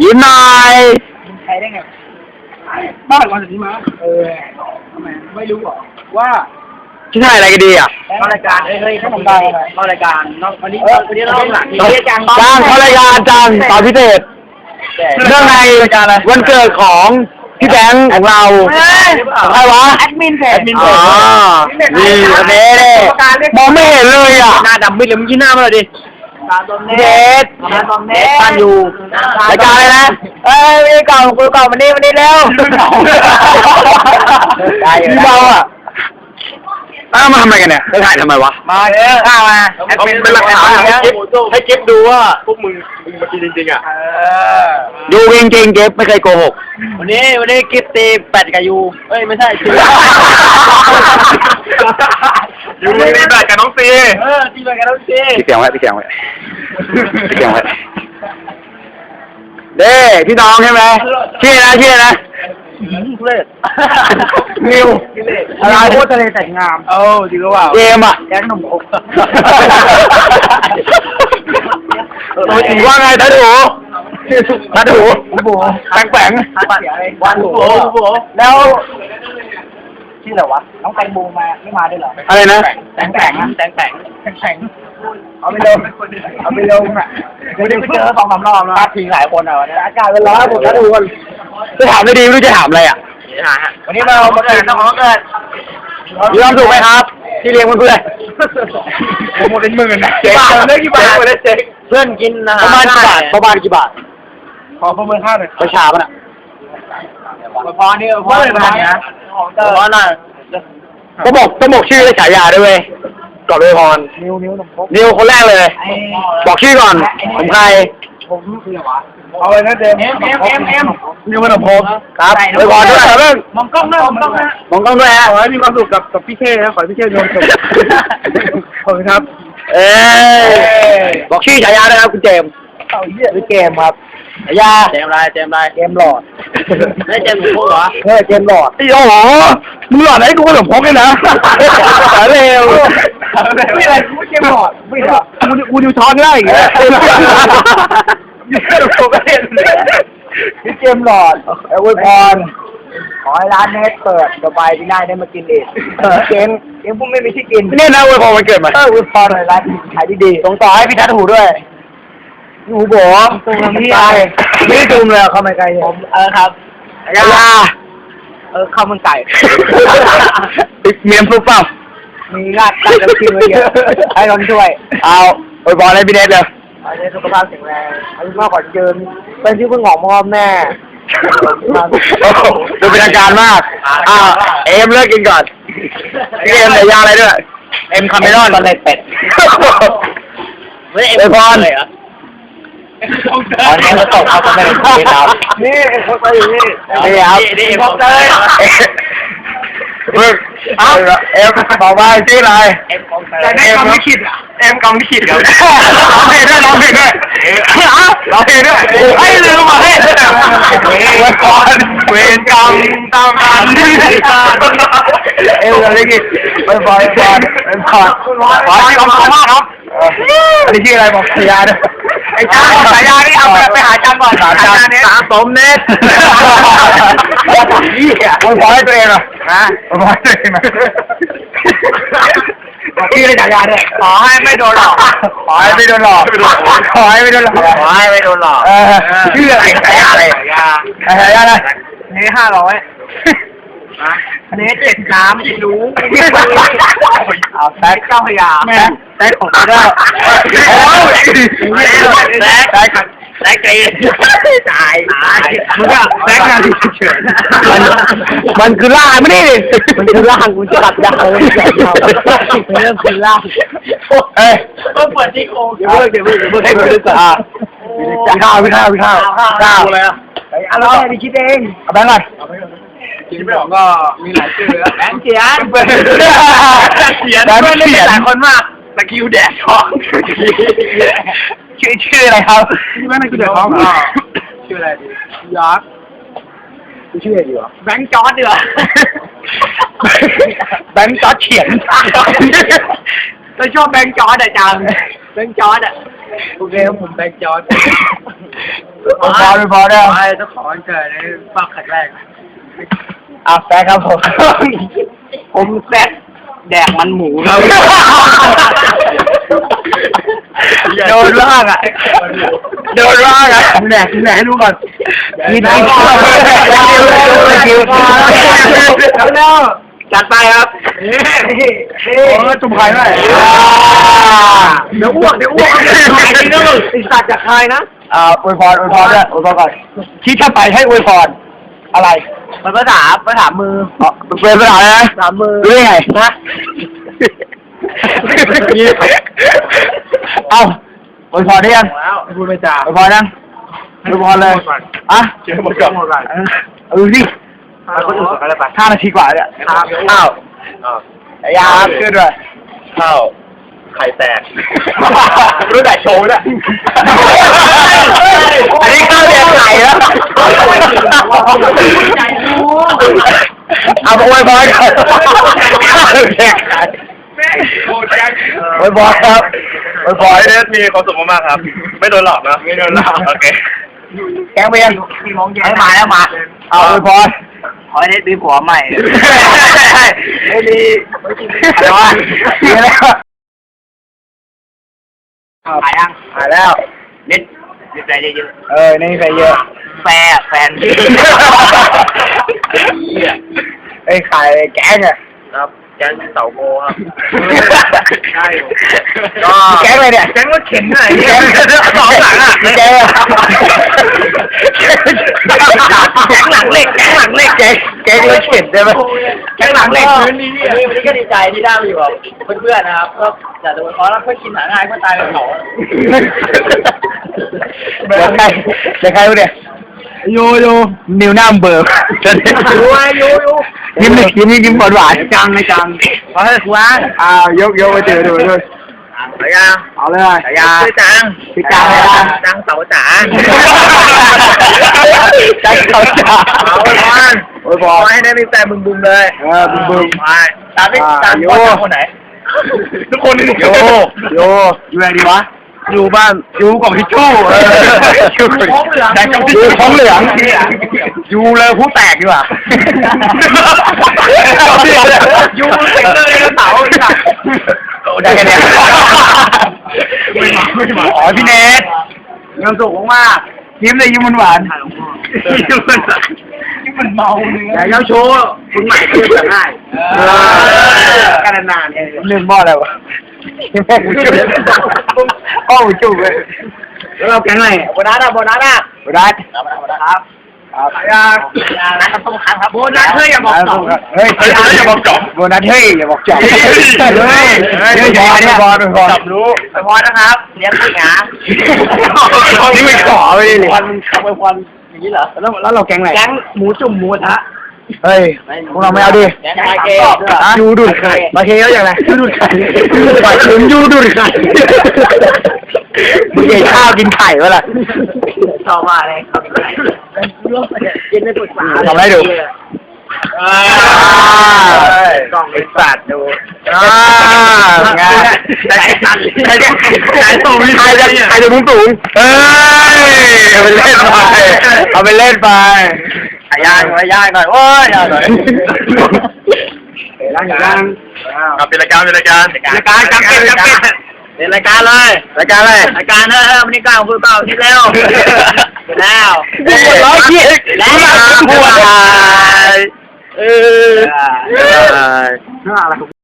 ยิ้มหน่อยใครได้ไงบ้านวันนี้มาทำไมไม่รู้หรอว่าที่ถ่ายอะไรกันดีอ่ะเข้ารายการเฮ้ยเข้ารายการวันนี้เราหลังจ้างเข้ารายการจ้างตอนพิเศษเรื่องในวันเกิดของพี่แบงค์ของเราใครวะแอดมินเพจอ๋อนี่อันนี้มองไม่เห็นเลยอ่ะหน้าดำมิดเลยมึงยิ้มหน้ามาเลยดิเด็ดบ้านอยู่รายการอะไรนะมีเก่าคุยเก่าวันนี้เร็วพี่เบาอ่ะมาทำอะไรกันเนี่ยจะถ่ายทำไมวะมาเนี่ยข้าวมาเป็นหลักฐานให้เก็บดูว่าพวกมึงมากินจริงๆอ่ะดูจริงๆเก็บไม่เคยโกหกวันนี้กิฟตีแปดกับยูไม่ใช่ยูตีแปดกับน้องซีตีแปดกับน้องซีพี่เสียงไว้เด้พี่น้องใช่ไหมชื่อนะนิวอะไรโคตรทะเลแต่งงามจริงหรือเปล่าเกมอ่ะแก๊งหนุ่มอกว่าไงทัดหูแปงวันหูแล้วชื่ออะไรวะน้องแตงโมมาไม่มาด้วยเหรออะไรนะแตงเอาไปลงอ่ะไม่ได้ไปเจอ2-3 รอบแล้วทิ้งหลายคนอ่ะวันนี้อากาศเป็นร้อนผมทัดหูกันจะถามไม่ดีไม่รู้จะถามอะไรอ่ะวันนี้เราเกิดน้องเกิดมีความสุขไหมครับที่เลี้ยงเพื่อนหมดเป็นหมื่นนะเจ๊งได้กี่บาทเพื่อนกินนะประมาณกี่บาทขอประเมินค่าหน่อยประชาป่ะน่ะพอนี่พอเลยนะพอหน่อยต้องบอกชื่อและฉายาด้วยเว้ยก่อนเลยพรนิวคนแรกเลยบอกชื่อก่อนผมใครผมคืออะไรวะเอาเลยนะเดมนิวมันพบครับเลยพรด้วยเรื่องมองกล้องด้วยฮะขอให้มีความสุขกับพี่เท่นะขอให้พี่เท่โดนจบขอบคุณครับบอกชื่อฉายาด้วยครับคุณเจมส์ชื่อเกมครับฉายาเจมหลอดไม่เจมหมูเหรอเจมหลอดโอ้โหมึงหลอดให้กูขนมพกเลยนะเร็วไม่อะไรกูเจมหลอดไม่หรอกูดูช้อนได้อีกพี่เจมหลอดอวยพรขอให้ร้านเนสเปิดต่อไปที่ได้มากินอีกเกมพวกไม่มีที่กินนี่นะอวยพรมันเกิดมาอวยพรหน่อยร้านขายดีๆส่งต่อให้พี่ทัดหูด้วยหูโบตรงนี้ไม่จุ่มเลยเข้ามาไกลผมครับยาข้าวมันไก่เมียมปุ๊บปั๊บมีราดกับชิมเยอะให้ลองช่วยเอาอวยพรให้พี่เนสเลยอันนี้สุขภาพแข็งแรงอายุมากกว่าเดิมเป็นที่เพิ่งหอมพ่อแม่ดูเป็นทางการมากเอ็มเลิกกินก่อนพี่เอ็มใส่ยาอะไรด้วยเอ็มคาเมรอนตะเลเป็ดไม่เอ็มพรเลยเหรออันนี้เราตกเขาไม่ได้กินครับนี่เขาไปอยู่นี่ครับนี่เอ็มเลยเอ็มบอกว่าชื่ออะไรแต่ได้กำไม่คิดอ่ะเอ็มกำไม่คิดครับร้องเพลงด้วยร้องเพลงด้วยให้ลืมมาให้เวรกรรมเวรกรรมตามกันเอ็มอะไรกินไปบอยบอลขอให้กำลังมากครับอันนี้ชื่ออะไรบอกฉายาด้วยไอ้จ้าฉายานี่เอาไปหาจันก่อนหาจันสะสมเน็ตมึงขอให้ตัวเองเหรอมึงขอให้ตัวเองนะชื่ออะไรฉายาเนี่ยขอให้ไม่โดนหลอกขอให้ไม่โดนหลอกชื่ออะไรฉายาอะไรฉายาอะไรนี่500เนส7 น้ำรู้เอาแซกเจ้าพยาแซกของเจ้าแซกตีตายมึงก็แซกงานเฉยมันคือล่างไม่ได้มันคือล่างกูจะตัดยาวเลยเรื่องคือล่างก็เปิดที่โค้งเดี๋ยวให้กูดูก่อนข้าวเลยอะไรไปคิดเองเอาแบงค์ก่อนคิดไม่ออกก็มีหลายชื่อแบงค์เขียนเขียนหลายคนมากตะคิวแดดท้องชื่ออะไรครับแบงค์ตะคิวแดดท้องชื่ออะไรดียอร์กชื่ออะไรดีวะแบงค์จอร์ดดีวะแบงค์จอร์ดเขียนเราชอบแบงค์จอร์ดจังแบงค์จอร์ดโอเคผมแบงค์จอร์ดพอเนี่ยไอ้เจ้าของวันเกิดในฝากขัดแรกแซคครับผม ผมแซคแดกมันหมูครับ โดนล่างอ่ะ โดนล่างอ่ะแดกให้รู้ก่อนกินไอ้แล้วจัดไปครับโอ้จุ่มไข่หน่อยเดี๋ยวอ้วกอีสัตว์จากใครนะอวยพรด้วยอวยพรก่อนคิดถ้าไปให้อวยพรอะไรมันภาษามือเป็นภาษาอะไรนะภาษามือรู้ได้ไงนะเอาอวยพรได้ยังพูดไม่จ่าอวยพรยังอวยพรเลยอ่ะเชื่อหมดก่อนดูสิคนอื่นอะไรไป5 นาทีกว่าเนี่ยอ้าวอยาขึ้นด้วยข้าวไข่แตกรู้แต่โชว์เนี่ยอันนี้ข้าวแดงไข่แล้วเอาไปไว้บอยก่อนข้าวแดงไข่ไว้บอยครับไว้บอยเนี่ยมีความสุขมากๆครับไม่โดนหลอกนะไม่โดนหลอกโอเคแกงเบียร์ให้มาแล้วมาเอาไว้บอยขอให้ได้มีผัวใหม่ไม่ดีอะไรวะดีแล้วหายยังหายแล้วนิดใจเยอะนี่ใส่เยอะแฟนไอ้ขายแก๊งอ่ะครับแก๊งเต่าโกครับใช่ก็แก๊งอะไรเนี่ยแก๊งรถเข็นไหนแก๊งสองหลังอ่ะแก๊งหลังเหล็กแก๊งรถเข็นใช่ไหมแก๊งหลังเหล็กวันนี้ก็ดีใจที่ได้มาอยู่กับเพื่อนๆนะครับก็อยากจะขอรับเพื่อกินหาง่ายเพื่อตายเป็นเขาเดี๋ยวใครเนี่ยโยนิวหน้าเบิร์กโยยิ้มหวานจังขอให้ครูอ่านยกไปเจอดูเอาเลยชื่อจังเลยจังเสาจ๋าโอ้ยบอลให้ได้มีแต่บึมเลยบึมไปตามคนไหนทุกคนโยอยู่ไหนดีวะอยู่บ้านอยู่กล่องทิชชู่ท้องเหลืองอยู่เลยผู้แตกดีกว่าอยู่เต็งเลยเสาได้แค่นี้อ๋อพี่เนทเงินสุกมากยิ้มเลยยิ้มหวานมันเมาเลยอย่าโชว์คุณใหม่เพื่อนง่ายกันนานเรื่องบ่ออะไรวะแม่กูจุ๊บอ้อจุ๊บเลยแล้วเราแก๊งอะไรโบนัสครับต้องค้างครับโบนัสเฮ้ยอย่าบอกจบอย่าบอกจบโบนัสเฮ้ยอย่าบอกจบพอจับรู้พอนะครับเลี้ยงผู้หญิงนี่ไม่ขอไปเลยวันทำไปวันอย่างนี้เหรอแล้วเราแก๊งอะไรแก๊งหมูจุ่มหมูทะเฮ้ยพวกเราไม่เอาดิยูดูดไข่มาเคแล้วอย่างไรยูดูดไข่ปล่อยคืนยูดูดไข่มึงเกยข้าวกินไข่วะล่ะชอบมากเลยครับกินไม่ปวดปากทำไรดูกล่องไอ้สัตว์ดูงานใครสูงใครจะมุ้งสูงเอาไปเล่นไปย่างหน่อยโอ้ยย่างหน่อยเป็นรายการเป็นรายการจำเป็นเป็นรายการเลยรายการวันนี้ก้าวคือก้าวที่แล้วร้อยยี่แล้วปวดอะไร